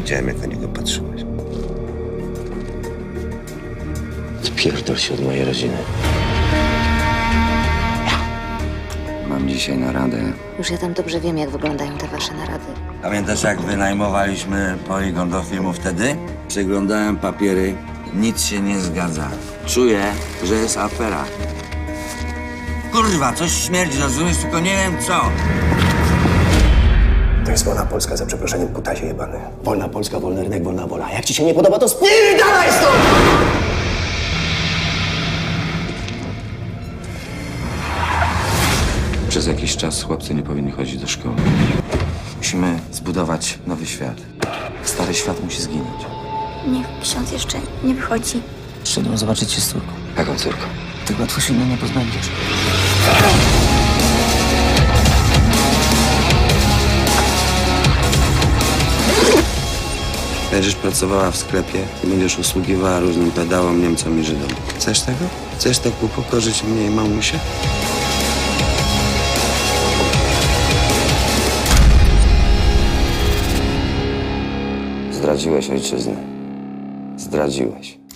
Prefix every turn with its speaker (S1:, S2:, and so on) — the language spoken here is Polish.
S1: Widziałem, jak na niego patrzyłeś.
S2: Spierdol się od mojej rodziny.
S3: Mam dzisiaj naradę.
S4: Już ja tam dobrze wiem, jak wyglądają te wasze narady.
S3: Pamiętasz, jak wynajmowaliśmy poligon do filmu wtedy? Przeglądałem papiery. Nic się nie zgadza. Czuję, że jest afera. Kurwa, coś śmierdzi, rozumiesz? Tylko nie wiem co.
S5: To jest wolna Polska, za przeproszeniem, kutasie jebany. Wolna Polska, wolny rynek, wolna wola. Jak ci się nie podoba, to spierdalaj stąd!
S3: Przez jakiś czas chłopcy nie powinni chodzić do szkoły. Musimy zbudować nowy świat. Stary świat musi zginąć.
S6: Niech ksiądz jeszcze nie wychodzi.
S2: Przyszedłem zobaczyć się z córką.
S3: Jaką córką?
S2: Tak łatwo się nie pozbędziesz.
S3: Będziesz pracowała w sklepie i będziesz usługiwała różnym pedałom, Niemcom i Żydom. Chcesz tego? Chcesz tak upokorzyć mnie i mamusię? Zdradziłeś ojczyznę. Zdradziłeś.